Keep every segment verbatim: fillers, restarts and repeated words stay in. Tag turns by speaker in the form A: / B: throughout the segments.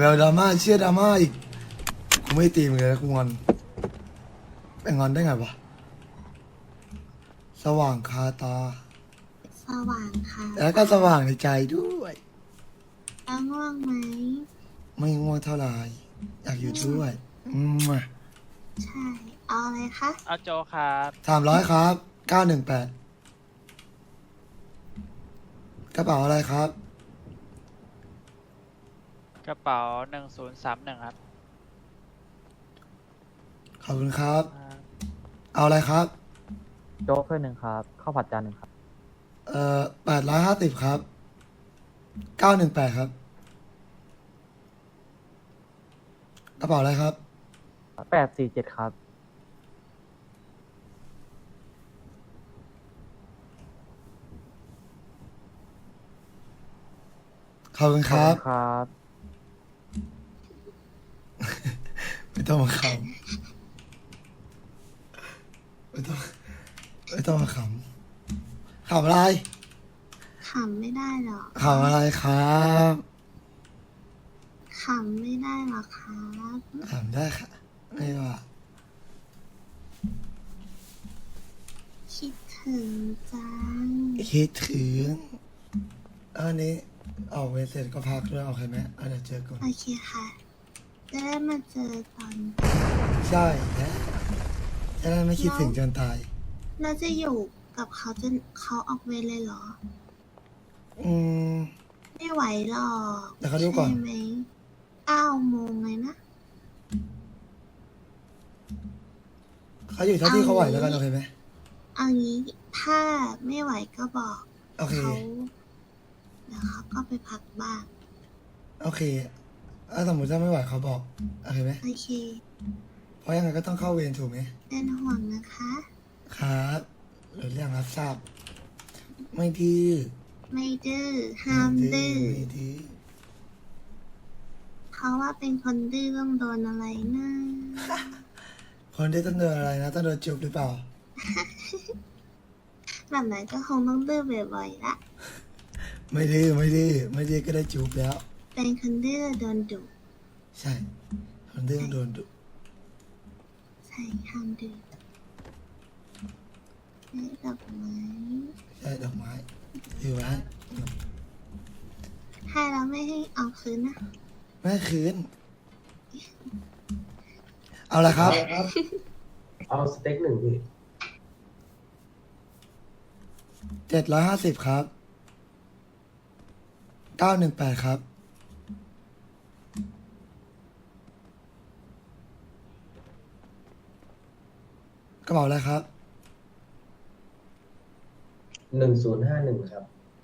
A: ยวดราม่าเชื่อดราม่าอีกกูไม่ตีมึงเลยนะกูงอนไปงอนได้ไงวะสว่างคาตา
B: สว่างค่ะ
A: แล้วก็สว่างในใจด้วย
B: แล้วง่วงไหม
A: ไม่ง่วงเท่าไหร่อยากอยู่ด้วยอืม
B: ใช่ เอาอะไรคะ
C: เอาโจครับ
A: สามร้อยครับเก้าหนึ่งแปดกระเป๋าอะไรครับ
C: กระเป๋าหนึ่งศูนย์สามหนึ่งครับ
A: ขอบคุณครับ
C: อ่า
A: เอาอะไรครับ
D: โจ๊กถ้วยหนึ่งครับข้าวผัดจานหนึ่งครับ
A: เอ่อแปดร้อยห้าสิบครับเก้าหนึ่งแปดครับกระเป๋าอะไรครับ
D: แปดสี่เจ็ดครับ
A: ขอบคุณครับ
D: ครับ
A: ไม่ต้องมาขำไม่ต้องไม่ต้องมาขำขำอะไร
B: ขำไม่ได้หรอก
A: ขำอะไรครับ
B: ขำไม่ได้หรอกครับ
A: ขำได้ค่ะไม่ว่า
B: คิดถึงจัง
A: คิดถึงอันนี้ออกเวรเสร็จก็พักด้วยโอเคไหมอ่ะเดี๋ยวเจอกัน
B: โอเคค่ะ จะได้มาเจอตอน
A: ใช่แล้วจะได้ไม่คิดถึงจนตาย
B: เราจะอยู่กับเขาจนเขาออกเวรเลยเหรอ
A: อืม
B: ไม่ไหวหรอก
A: เดี๋ยวเขาดูก่อน
B: ใช่ไหมเก้าโมงเลยนะ
A: เขาอยู่เท่าที่เขาไหวแล้วกันโอเคไหม
B: เอางี้ถ้าไม่ไหวก็บอก
A: โอเค
B: เขาเดี๋ยวเขาก็ไปพักบ้าง
A: โอเคถ้าสมมติถ้าไม่ไหวเขาบอกโอเคไหม
B: โอเค
A: เพราะยังไงก็ต้องเข้าเวรถูกไหม
B: เป็นห่วงนะคะ
A: ครับหรือเรื่องรับทราบ ไม่ดื้อ
B: ไม่ดื้อห้ามดื้อ
A: ไม่ดื้อ
B: เพราะว่าเป็นคนดื้อต้องโดนอะไรนะ
A: คนที่ต้องโดนอะไรนะต้องโดนจุบหรือเปล่า
B: แบบนั้นก็คงต้องดื้อบ่อยๆละ
A: ไม่ดื้อไม่ดื้อไม่ดื้อก็ได้จูบแล้ว
B: เป็นคนดื้อโดนดุ
A: ใช่คนดื้อต้องโดนดุ
B: ใช่ห้ามดื้อให้ดอกไม้
A: ใช่ดอกไม้ถือไว้
B: ให้แล้วไม่ให้เอาคืนนะ
A: แม่คืน เอาละครับ
E: เอาสเต็กหนึ่งพี่
A: เจ็ดร้อยห้าสิบครับเก้าหนึ่งแปดครับกระเป๋าอะไรครับ
E: หนึ่งศูนย์ห้าหนึ่งครับ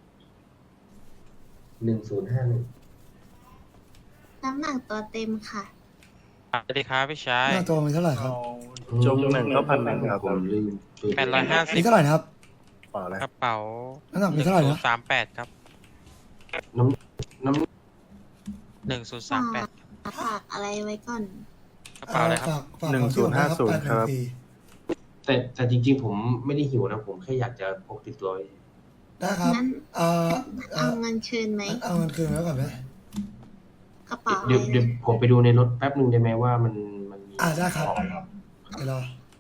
E: หนึ่งศูนย์ห้าหนึ่ง
B: น้ำหนักตัวเต็มค่ะ
C: สวัสดีครับพี่ชาย
A: หน้าตัวมีเท่าไหร่ครับ
F: จุ่มหนึ่งก็พันหนึ่งครับ
E: ผมลืม
C: แปดร้อยห้าสิ
A: มี
C: บ
A: เท่าไหร่นะครับ
F: เปล่าอะไร
C: กระเป๋า
A: น้ำหนัก
C: ห
A: มี
C: นึ่ง
A: เท่าไหร่
C: ศูน
A: นะ
C: ย์สามแปดครับ
E: น้ำน้ำ
C: หนึ่งศูนย์สามแปด
B: ฝากอะไรไว้ก่อน
C: กระเป๋าอะไรครับ
A: ฝากฝาก
F: หนึ่ง
A: ของ
F: ศูนย์ห้าศูนย์
A: แปด
F: ครับ
A: ปี
E: แต่แต่จริงๆ ผมไม่ได้หิวนะ ผมแค่อยากจะพกติดตัวไว้
A: ได้ครับ
B: งั้น
A: เอ่อเอ่
B: เอา
A: อ
B: เงินคืนไหม
A: เอาเงินคืนไว้ก่อนไหม
B: กระเป๋าอะ
E: เดี๋ยว
B: ไร
E: เดี๋ยว
B: นะ
E: ผมไปดูในรถแป๊บหนึ่งได้ไหมว่ามันมันมี
A: อ่าได้ครับไปรอ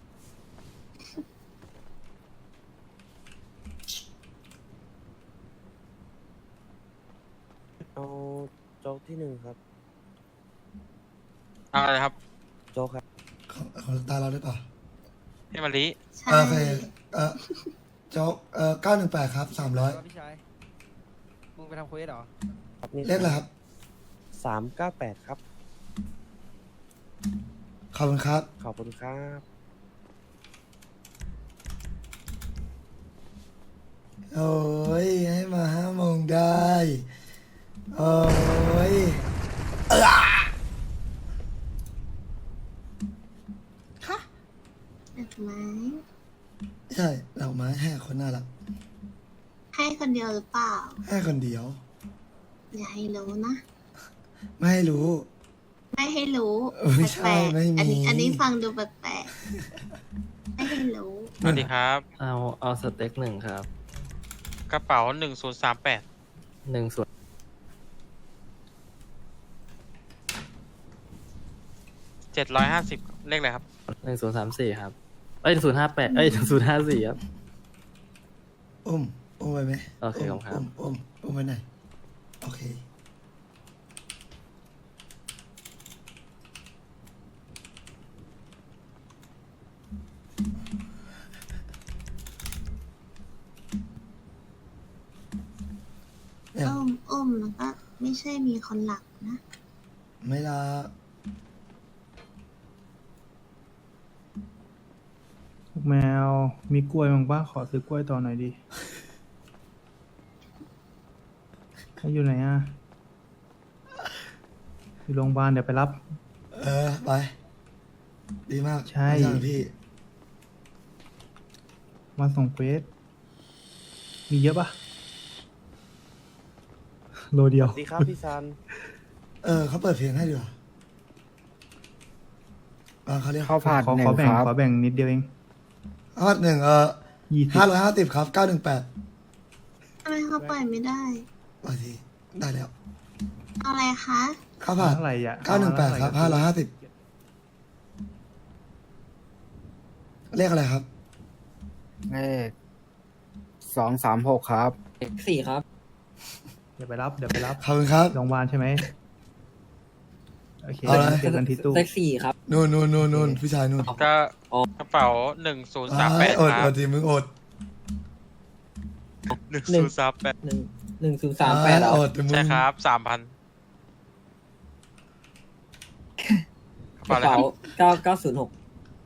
G: เอาโจ๊กที่หนึ่งครับ
C: เอาอะไรครับ
G: โจ๊กครับ
A: ของของตาเราได้ป่ะ
C: พี่มะลิ
B: ใช่
A: โอเคเอ่อโจ๊กเอ่อเก้าหนึ่งแปดครับสามร้อย
H: พี่ชาย มึงไปทำเควสเหรอ
G: ครับนี่
A: เลขอะไรครับ
G: สามเก้าแปดครับ
A: ขอบคุณครับ
G: ขอบคุณครับ
A: โอ้ยให้มาห้าโมงได้ โอ้ยเอ้อ
B: ดอกไม้
A: ใช่ดอกไม้ให้คนน่ารัก
B: ให้คนเดียวหรือเปล่า
A: ให้คนเดียว
B: อย่าให้รู้นะ
A: ไม่ให้รู้
B: ไม่ให้รู้
A: ไม่ใช่
B: แปลกๆ
A: ไม่มี
B: อันนี้อันนี้ฟังดูแปลกๆไม่ให้รู้
C: สวัสดีครับ
D: เอาเอาสเต็กหนึ่งครับ
C: กระเป๋าหนึ่งศูนย์สามแปด
D: หนึ่งส่วน
C: เจ็ดร้อยห้าสิบเลขอะไรครับ
D: หนึ่งศูนย์สามสี่ครับ เอ้ยศูนย์ห้าแปดเอ้ยศูนย์ห้าสี่ครับ
A: อุ้มอุ้มไปไหม
D: โอเคครับ
A: อุ้มอุ้มอุ้มไปไหนโอเคเนี่ย
B: อ้มอ้มแล้วก็ไม่ใช่มีคนหลักนะ
A: ไม่ละ
I: แมวมีกล้วยมั้งป้าขอซื้อกล้วยต่อหน่อยดิให้อยู่ไหนอ่ะอยู่โรงพยาบาลเดี๋ยวไปรับ
A: เออไปดีมาก
I: ใช่
A: ไม่สั่งพี่
I: มาส่งเควสมีเยอะปะโลเดียว
G: สวัสดีครับพี่ซัน
A: เออเขาเปิดเพลงให้ดีกว่าบางเขาเรียก
I: ขอขอขอแบ่งขอแบ่งนิดเดียวเอง
A: ห้าหนึ่งเออ
I: ยี่สิบ
A: ห้าร้อยห้าสิบครับเก้าหนึ่งแปด
B: ทำไมเขาปล่อยไม่ได้
A: บางทีได้แล้ว
B: เอาอะไรคะ
A: ข้าวผัด
I: เท่าไหร่อ่ะ
A: เก้าหนึ่งแปดครับห้าร้อยห้าสิบเลขอะไรครับ
F: เลขสองสามหกครับ
D: สี่ครับ
I: เดี๋ยวไปรับเดี๋ยวไปรับ
A: ขอบคุณครับ
I: โรงพยาบาลใช่ไหมโอเค
A: เอาเลย
I: เจอกันที่ตู้
D: เลขสี่ครับ
A: นู่นนู่นนู่นนู่นผู้ชายนู่น
C: ก็กระเป๋าหนึ่งศูนย์สามแปด
A: อด
C: ค
A: อ
C: รับ
A: ดทีมึงอด
C: หนึ่งศูนย์สามแปด
D: หนึ่งหนึ่งศูนย์
A: อ่อดแต่มึง
C: ใช่ครับสามพันกระเป๋าอะไรครับ
D: เก้าเก้าศูนย์หก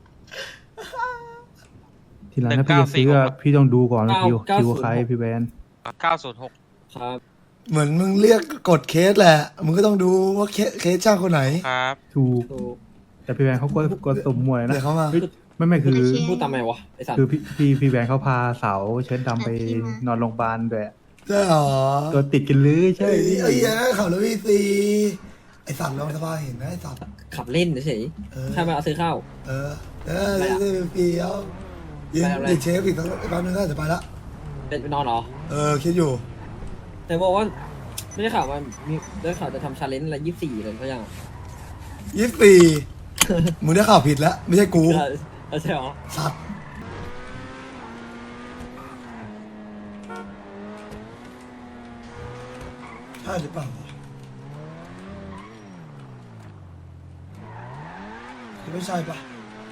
I: ทีหลังถ้าพี่จะซื้ออะพี่ต้องดูก่อนว่าคิว
D: เก้า
I: คิว
D: ศูนย์
I: ใครพี่แบน
C: เก้าศูนย์หก
D: ครับ
A: เหมือนมึงเรียกกดเคสแหละ มึงก็ต้องดูว่าเคสเคสจ้างคนไหน
C: ครับ
I: ถูก
D: ถูก
I: แต่พี่แบนเขาก็กดสุ่มมวยนะ
A: เดี๋ยวเขามา
I: เฮ้ยไม่ไม่คือ
B: โอเค
D: พูดตามไหมวะไอสัตว์
I: คือพี่พี่พี่แบนเขาพาสาวเชิ้ตดำไปนอนโรงพยาบาลด้วย
A: ใช่หรอ
I: ตัวติดกันเลยใช่
A: ไอ้
I: พี่
A: ไอ้เหี้ยขับรถวีซีไอ้สัตว์ลองสบายเห็นไหมไอ้สัตว์
D: ขับเล่นเฉย
A: เออ
D: ๆใช่ไหมเอาซื้อข้าว
A: เออ เออซื้อฟรีเอายิง
D: ไปทำอะไร
A: ยิงเชฟอีกสักแป๊บนึงก็จะไปละ
D: เป็นไปนอนเหรอ
A: เออ คิดอยู่
D: แต่บอกว่า ไม่ได้ข่าวว่ามีได้ข่าวจะทำชาเลนจ์อะไรยี่สิบสี่เลยเขายัง
A: ยี่สิบสี่มึงได้ข่าวผิดแล้ว ไม่ใช่กู
D: ใช่ใช่เหรอ
A: สัตว์ใช่หรือเปล่าวะไม่ใช่ปะ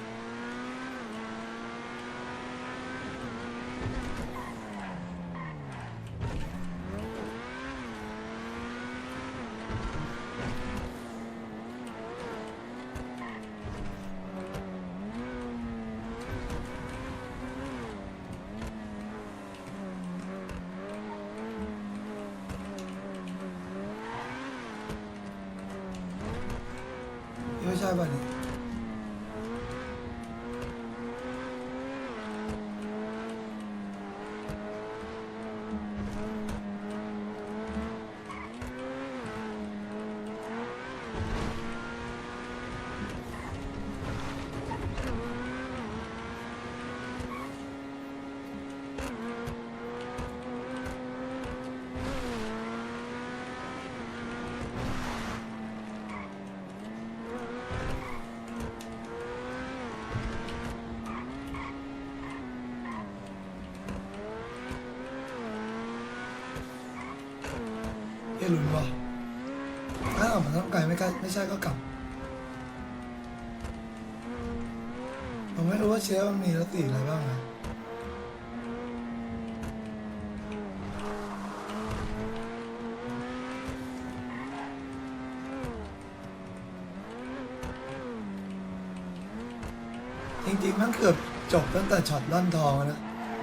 A: ไม่ใช่ป่ะนี่เอ้ยลุ้นวะถ้าออกมาต้องไกลไม่ใกล้ไม่ใช่ก็กลับ ผมไม่รู้ว่าเชฟมันมีรสสีอะไรบ้างนะจริงๆมันเกือบจบตั้งแต่ช็อตล่อนทองแล้วนะ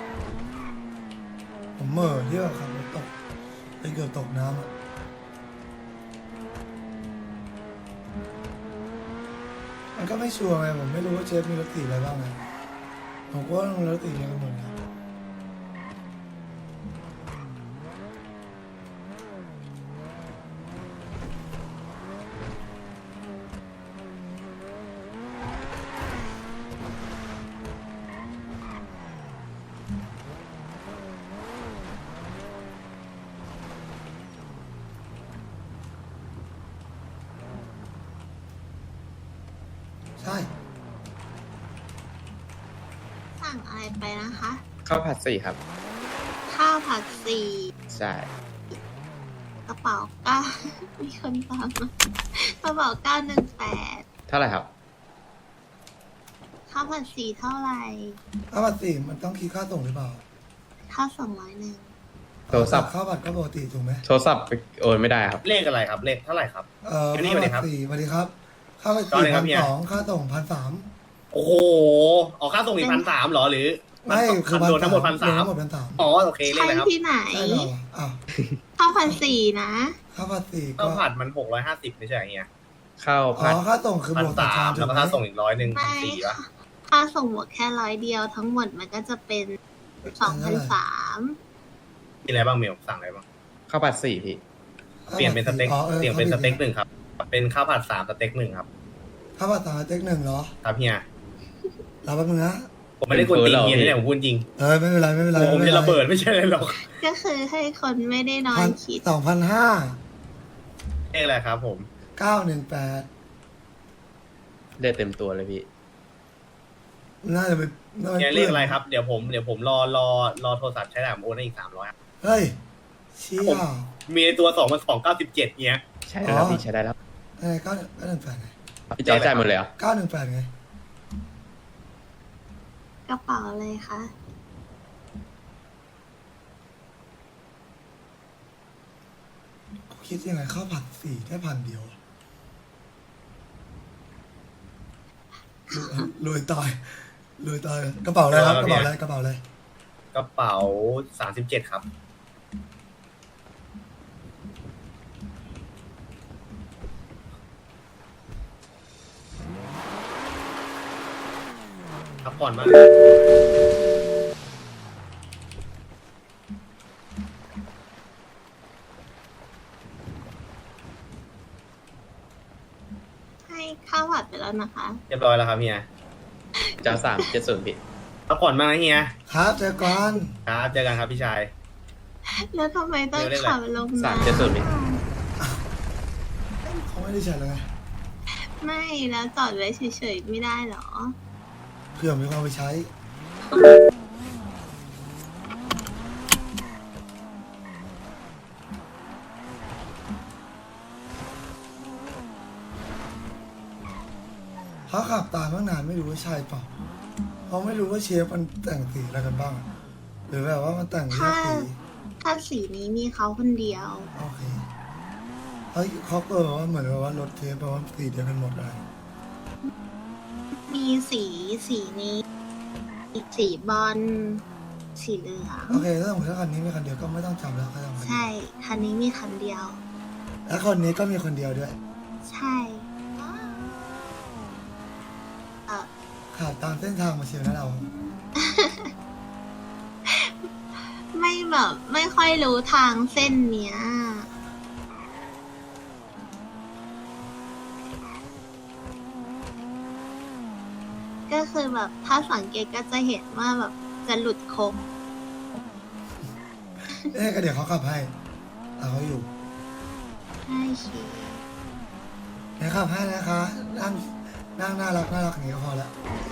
A: ผมเหม่อที่ว่าขับรถตกไปเกือบตกน้ำอะมันก็ไม่ชัวร์ไงผมไม่รู้ว่าเชฟมีรสสีอะไรบ้างไงผมก็ต้องรสสีอะไรกันหมดนะ
B: สั่งอะไรไปนะคะ
J: ข้าวผัดสี่ครับ
B: ข้าวผัดสี่
J: ใช่
B: กระเป๋าเก้า มีคนตามมากระเป๋าเก้าหนึ่งแปด
J: เท่าไหร่ครับ
B: ข้าวผัดสี่เท่าไหร่
A: ข้าวผัดสี่มันต้องคิดค่าส่งหรือเปล่า
B: ข้าวสองร้อยหนึ่ง
J: โทรศัพท์
A: ข้าวผัดก็ปกติถูกไหม
J: โทรศัพท์ไปโอนไม่ได้ครับ
E: เลขอะไรครับ เลขเท่าไหร่ครับ
A: เอ่อ
E: วันนี้
A: ข้าว
E: สวัสดีครั
A: ผัด
E: บ
A: สี่สวัสดีครับข้าวผัด
E: ตอน
A: สี่
E: ไหนครั
A: พั
E: บ
A: น
E: เฮีย
A: สองค่าส่งพันสาม
E: โอ้โหออกค่าส่งอีกพันสามหรอหรือ
A: ไม่คือ
E: รวมทั้งหมดพันสาม
A: หมดพันสาม
E: อ๋อโอเคเลข
B: ใช่
E: อะไรครับ
B: ที่ไหน
A: ใช่เหรออ้าว
B: ข้าวผัดสี่นะ
A: ข้าวผัดสี่ก็
E: ข้าวผัดมันหกร้อยห้าสิบไม่ใช่เฮีย
J: ข้าว
A: อ๋
J: ผัด
A: อค่าส่งคือ
E: พั
A: บ
E: น
A: วกต่อ
E: สา
A: ชาม
E: ม
A: ถู
E: แล้ว
A: ก
E: ก็
A: ไหม
E: ค่าส่งอีกร้อยหนึ่งพัน
B: ไม่
E: สี่วะ
B: ค่าส่งหมดแค่ร้อยเดียวทั้งหมดมันก็จะเป็นสองพันสาม
E: มีอะไรบ้างเมลสั่งอะไรบ้าง
J: ข้าวผัดสี่พี่
E: เปลี่ยนเป็นสเต็ก
A: อ๋อออ
E: เปลี่ยนเป็นสเต็กหนึ่งครับ เป็นข้าวผัดสามสเต็กหนึ่งครับ
A: ข้าวผัดสามสเต็กหนึ่งเหรอ
E: ครับเฮีย
A: รอแป๊บนึงนะ
E: ผมไม่ได้กวนตีนเฮียนะเนี่ยผมพูดจริง
A: เออไม่เป็นไรไม่เป็นไร
E: ผม
A: ไม่
E: จะ
A: เป็นไร
E: ระเบิดไม่ใช่เลยหรอก
B: ก็คือให้คนไม่ได้นอ
A: พั
B: น
A: น
B: คิด
A: สองพันห้า
E: เลขอะไรครับผม
A: เก้าหนึ่งแปด
J: เลือดเต็มตัวเลยพี่
A: น่าจะเป็นน่าจะ
E: เฮีย
A: ป็น
E: เลขอะไรครับ เดี๋ยวผมเดี๋ยวผมรอรอรอโทรศัพท์ใช้ได้ผมโอนให้อีกสามร้อย
A: เฮ้ยเชี่ย
E: มีในตัวสองมันสองเก้าสิบเจ็ดเนี้ย
J: ใช่แล้วครับพี่ใช้ได้แล้ว
A: อะไรเก้าเก้าหนึ่งแปดไง
J: พี่จอจ่ายหมดเลยเหรอ
A: เก้าหนึ่งแปดไง
B: กระเป๋าเลยค่ะ
A: คิดยังไงข้าวผัดสี่ได้พันเดียวอะรวยรวยตายรวยตายกระเป๋าอะไรครับกระเป๋าอะไรกระเป๋าอะไร
E: กระเป๋าสามสิบเจ็ดครับ พักผ่อนมาก
B: ให้ข้าวผัดไปแล้วนะคะ
E: เรียบร้อยแล้วครับเฮีย
J: จอสามเจ็ดศูนย์พี่
E: พักผ่อนมากนะเฮีย
A: ครับเจอกัน
E: ครับ เจอกันครับพี่ชาย
B: แล้วทำไมต้อง
E: เดี๋ยวเรียกอะไร
B: ขับลง
J: สาม
B: น้ำ
J: เจ็ดศูนย์พี่
A: เขาไม่ได้ใช้แล้วไง
B: ไม่แล้วจอดไว้เฉยๆไม่ได้เหรอ
A: เพื่อมีความไปใช้ เขาขับตามตั้งนานไม่รู้ว่าใช่เปล่าเขาไม่รู้ว่าเชฟมันแต่งสีอะไรกันบ้างอะหรือแบบว่ามันแต่งเลือกสี
B: ถ้าสีนี้มีเขาคนเดียว
A: โอเคเฮ้ยเขาเปิดว่าเหมือนแบบว่ารถเทปแปลว่าสีเดียวกันหมดเลย
B: มีสีสีนี้ สีบอลสีเหลือง
A: โอเคถ้าสมมติว่าคันนี้มีคันเดียวก็ไม่ต้องจำแล้วก็จำคัน
B: ใช่
A: นี้
B: คันนี้มีคันเดียว
A: แล้วคนนี้ก็มีคนเดียวด้วย
B: ใช่เออ
A: ขับตามเส้นทางมาเชียวนะเรา
B: ไม่แบบไม่ค่อยรู้ทางเส้นเนี้ย ก็คือแบบถ้าสังเกตก็จะเห็นว่าแบบจะหลุดโค้ง
A: เอ๊ะก็เดี๋ยวเขาขับให้เอาเขาอยู่
B: ใช่ชี
A: เดี๋ยวขับให้นะคะ นั่งนั่งน่ารักน่ารักอย่างนี้ก็พอละ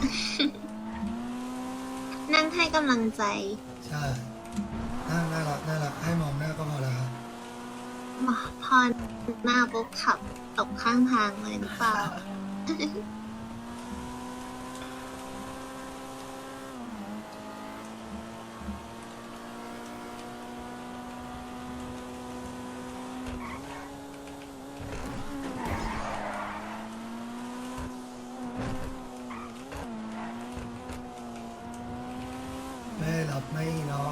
B: นั่งให้กำลังใจ
A: ใช่นั่งน่ารักน่ารักให้มองหน้าก็พอละครับ
B: มาพอหน้าปุ๊บขับตกข้างทางเลยหรือเปล่า
A: ไม่หลับไม่นอน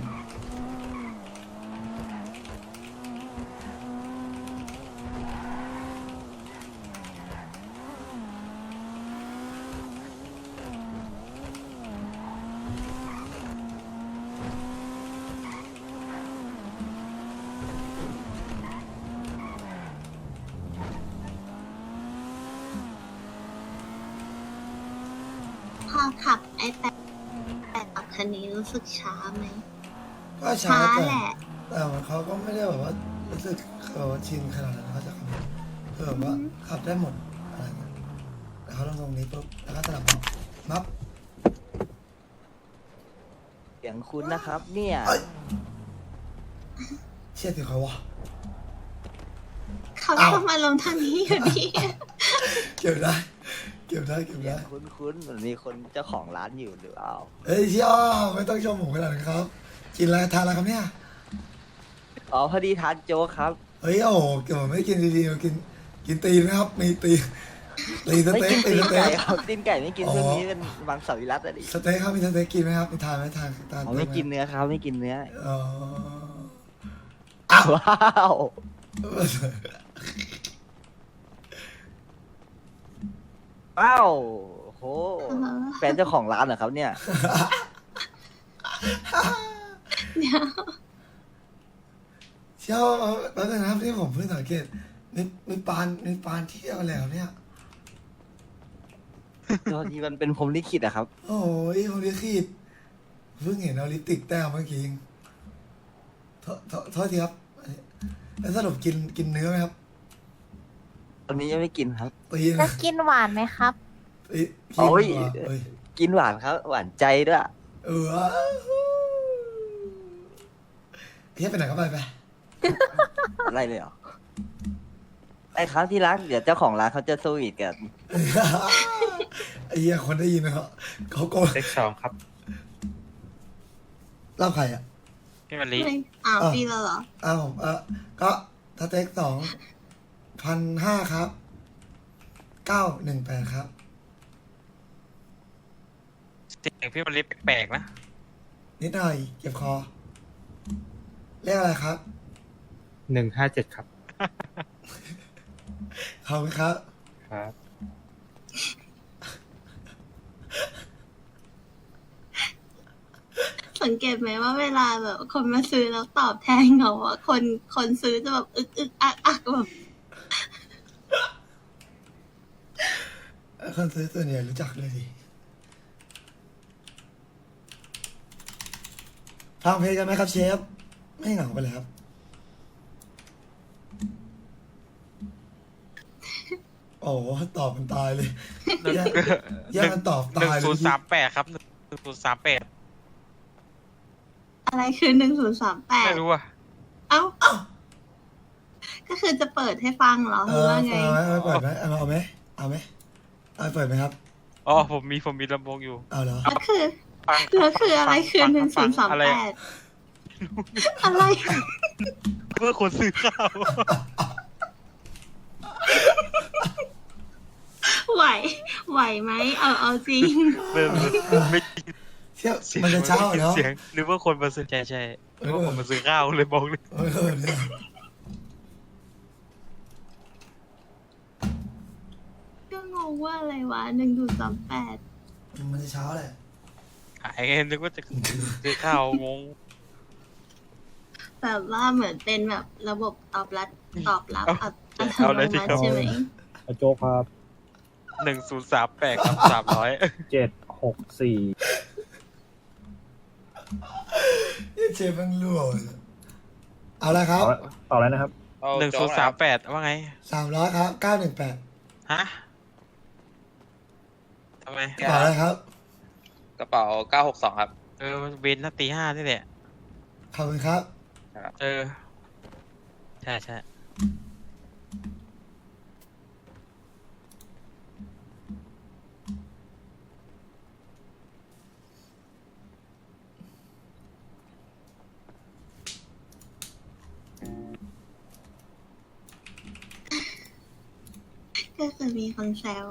B: พอขับไอ้แต่แต่ขับคันนี้รู้สึกช้าไหม
A: ก็ช้า
B: ช้า
A: แต่
B: แหละ
A: แต่มันเขาก็ไม่ได้แบบว่ารู้สึกแบบว่าชินขนาดนั้นเขาจะขับคือแบบว่าขับได้หมดอะไรเงี้ยแต่เขาลงตรงนี้ปุ๊บแล้วก็สลับเบาะมับ
G: สียงคุณนะครับ เนี่ย
A: เอ้ยเชี่ยถึงเขาวะ
B: เขา
A: อ้าว
B: ชอบมาลงทางนี้อยู่ดี
A: เก็บได้เก็บได้เก็บ
G: เสีย
A: ได้
G: งคุ้นๆเหมือนมีคนเจ้าของร้านอยู่หรือเปล่า
A: เฮ้ยเชี่ยไม่ต้องชมผมขนาดนั้นครับ กินอะไรทานอะไรครับเนี่ย
G: อ๋อพอดีทานโจ๊กครับ
A: เฮ้ยโอ้โหเกี่ยวไม่กินดีๆกินกินตีนนะครับมีตีนตีนส
G: ไม่
A: เต็
G: กิ
A: ก
G: น
A: ตี
G: ตี
A: น
G: น
A: สเต็
G: ไก่
A: ก
G: ครับตีนไก่ไม่กิน
A: อ๋อ
G: ช่วงนี้เป็นบางสวิรัตอะดิ
A: สเต็กครับมีสเต็กกินไหมครับมีทานไหมทานทาน
G: อ๋อ
A: ด้ห
G: ไม่กินเนื้อครับไม่กินเนื้อ
A: อ๋ออ้าว
G: ว้าว ว้าวโหแฟนเจ้าของร้านเหรอครับเนี่ย
B: เดี๋ยว
A: เชี่ยวแล้วนะครับที่ผมเพิ่งสังเกตมีมีปานมีปานเที่ยวอะไรครับเนี่ย
G: ตอนนี้มันเป็นพรหมลิขิตอะครับ
A: โอ้ยผมลิขิตเพิ่งเห็นเอาลิปติกแต้มเมื่อกี้เองโทษโทษโทษทีครับแล้วสรุปกินกินเนื้อไหมครับ
G: ตอนนี้ยังไม่กินครับ
A: ตี
K: จะ
A: นะ
K: กินหวานไหมครับ
A: ตีกิ
G: โอ้
A: น
G: ย
A: ว่ะเอ้ย
G: กินหวานครับ หวานใจด้วย
A: เออเฮียไปไหนก็ไปไป
G: อะไรเลยเหรอไอ้ครับที่รักเดี๋ยวเจ้าของร้านเขาจะสวีทกัน
A: ไอ้เหี้ยคนได้ยินนะครับเขาโกง
C: เซ็กสองครับ
A: เล่าใครอ่ะ
C: พี่มะลิ
B: ไม่อ้าว
A: อ้าว
B: ปีแล้วเหรอ
A: อ้าวผมเออก็สเต็กสองพันห้าครับเก้าหนึ่งแปดครับ
C: เสียงพี่มะลิแปลกๆนะ
A: นิดหน่อยเจ็บคอเรียกอะไรครับ
I: หนึ่งห้าเจ็ดครับ
A: ขอบคุณครับ
I: ครับ
B: สังเกตไหมว่าเวลาแบบคนมาซื้อแล้วตอบแทนเขาอะคนคนซื้อจะแบบอึกอึกอักอักแบบ
A: คนซื้อส่วนใหญ่รู้จักเลยดิฟังเพลงกันไหมครับเชฟ ไม่เหงาไปเลยครับ โอ้โหตอบมันตายเลยแย่งแย่งกันตอบ
C: หนึ่
A: ตาง ยเล
C: ศู
A: ย
C: นย์สามแปดครับหนึ่งศูนย์สามแปด
B: อะไรคือหนึ่งศูนย์สามแปด
C: ไม่รู้อ่ะ
B: เอ้า ก็คือจะเปิดให้ฟังเหรอห
A: เอ
B: รือ
A: อ
B: ว่าไง
A: เอาไหมเอาเปิดไหมเอาเอาไหมเอาไหมเอาเปิดไหมครับ
C: อ๋อผมมีผมมีลำโพงอยู่
A: เอาเหรอ
B: แล้วคือ
C: ฟัง
B: แล้วคืออะไรคือ
C: ฟั
B: หนึ่งศู
C: ฟั
B: นย์สาม
C: อะไร
B: แปดอะไร
C: เพื่อคนซื้อข้าว
B: ไหว ไหวไหมเอาเอาจริง
C: ไม่ไม่
A: เชี่ยมันจะเช้าเนาะ
C: เสียงหรือว่าคนมาซื้อใช่ใช่หรือว่าคนมาซื้อข้าวเลยบอกเลย
A: เออเนี่ย
B: ก็งงว่าอะไรวะหนึ่งศูนย์สามแปด
A: มันจะเช้าแหละ
C: หายไงนึกว่าจะซื้อข้าวงง
B: แบบว่าเหมือนเป็นแบบระบบตอบรับตอบรับอัต
C: เอา
B: โน
C: เลยสิ
B: มัติใช่ไหม
I: โจ๊กครับ
C: หนึ่งศูนย์สามแปดครับสามร้อย
I: เจ็ดหกสี่
A: เชฟมันรั่วเลยเอาละครับ
I: ต่อแล้วนะครับ
C: หนึ่งศูนย์สามแปดว่าไง
A: สามร้อยครับเก้าหนึ่งแปด
C: ฮะทำไม
A: ต่อเลยครับ
J: กระเป๋าเก้าหกสองครับ
C: เออเวนนาตีห้านี่แหละ
A: ขอบคุณครับ
C: เออ ใช่ใช่
B: ก็คือมีคนแซว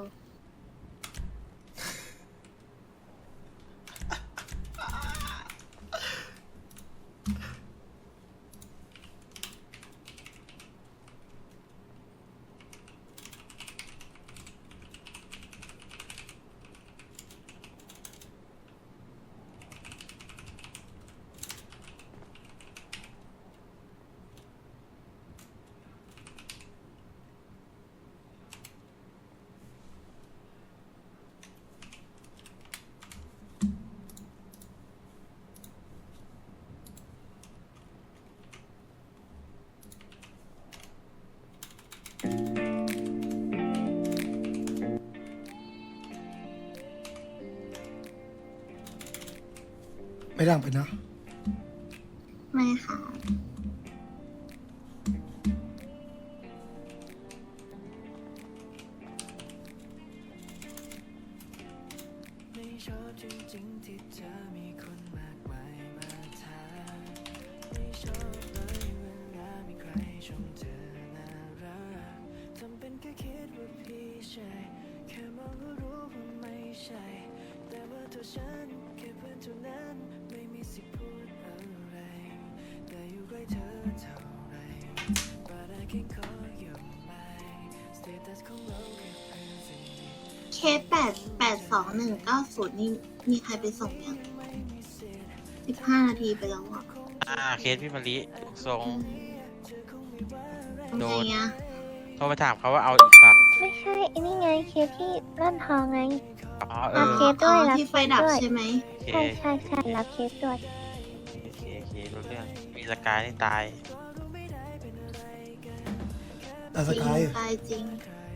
A: ไม่ดังไปนะ
B: ไม่ค่ะ เคสแปดแปดสองหนึ่งเก้าศูนย์นี่มีใครไปส่งยังสิบห้านาทีไปแล้วอ่ะ
C: อ่าเคสพี่มะลิทรง
B: ทำ
C: โด
B: ไง
C: น
B: อ่ะ
C: โทรไปถามเขาว่าเอาอีกแบบ
K: ไม่ใช่ไอ้นี่ไงเคสที่ร่อนทองไง
C: อ๋อเอ
K: รับ
C: อ
K: เคสด้วย
B: อ๋อ
K: รับ
B: ที่
K: เค
B: ไฟ
K: ส
B: ดับ
K: ด้วย
B: ใช่ไหม
C: โอเค
K: ใช่ใช่ใช่รับเคสด้วย
C: โอเคโอเครู้เรื่องมีสกายนี่ตาย
A: แต่
B: จ
A: ส
B: ริง
A: กาย
B: ตายจริง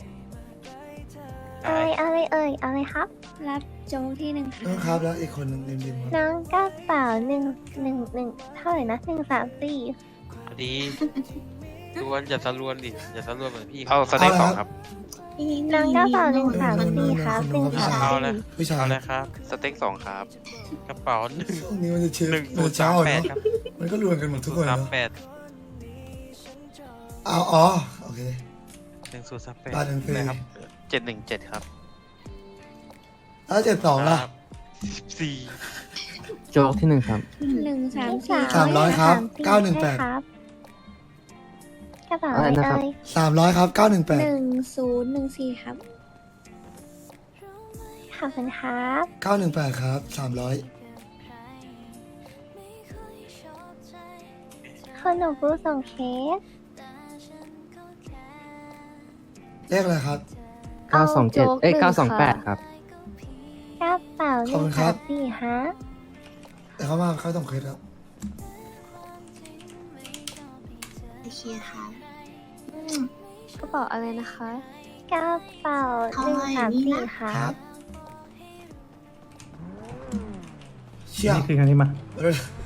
C: ตา
K: อะไร
C: ย
K: อะไรเอ่ยอะไรครับ รับโจ๊กที่หนึ่ง
A: น้องครับแล้วอีกคนหนึงริมๆครับ
K: น้องกระเป๋าหนึ่งหนึ่งหนึ่งเท่าไหร่นะหนึ่งสามสี่
C: ดีรวนอย่าสะรวนดิอย่าสะรวนเหมือนพี่
J: เอาสเต็กสองครับ
K: น้องกระเป๋าหนึ่งสามสี่ครับหนึ่งสาม
C: เอา
K: สี่
C: เลย
A: ผู้ชาย
C: เอาเลยครับ
J: สเต็กสองครับ
C: กระเป๋าหนึ่ง
A: ช่วงนี้มันจะเชื่อ
C: หนึ่ง
A: มัน
C: ศูน
A: จะ
C: ย์
A: เช้า
C: สามแปด
A: เนาะ
C: ครับ
A: มันก็รวมกันหมดทุกคน
C: สาม
A: เนาะ
C: แปด
A: เอาอ๋อโอเค
C: หนึ่งศูนย์สามแปด
A: บ้านหนึ่งสี่
C: เลยครับ
J: เจ็ดหนึ่งเจ็ดครับ
A: แล้วเจ็ดสองล่ะ
C: สี่
D: โจ๊กที่หนึ่งครับ
K: หนึ่งสามสี่
A: สามร้อยครับเก้าหนึ่งแปด
K: กระเป๋า
D: อะไร
K: อะไร
D: นะครับ
K: เอ่ย
A: สามร้อยครับเก้าหนึ่งแปด
K: หนึ่งศูนย์หนึ่งสี่ครับขอบคุณครับ
A: เก้าหนึ่งแปดครับสามร้อย
K: คนหนูผู้ส่งเคส
A: เลขอะไรครับ
D: เก้าสองเจ็ดเอ้ยเก้าสองแปดครับ
K: กระเป๋าห
A: ขอบ
K: นึ่
A: คุ
K: ง
A: ณครั
K: สา
A: บ
K: มสี่ฮะ
A: แต่เขามาเขาต้องเคสครับ
B: โอเคค่ะอืม
K: กระเป๋าอะไรนะคะกระเป๋า
B: เท่า
K: หนึ่ง
B: ไหร่
K: สาม
B: นี่
K: สี่
B: นะ
K: ค่ะ
A: ครับ เชี่ย
I: นี่คือครั้งที่มา
A: เออ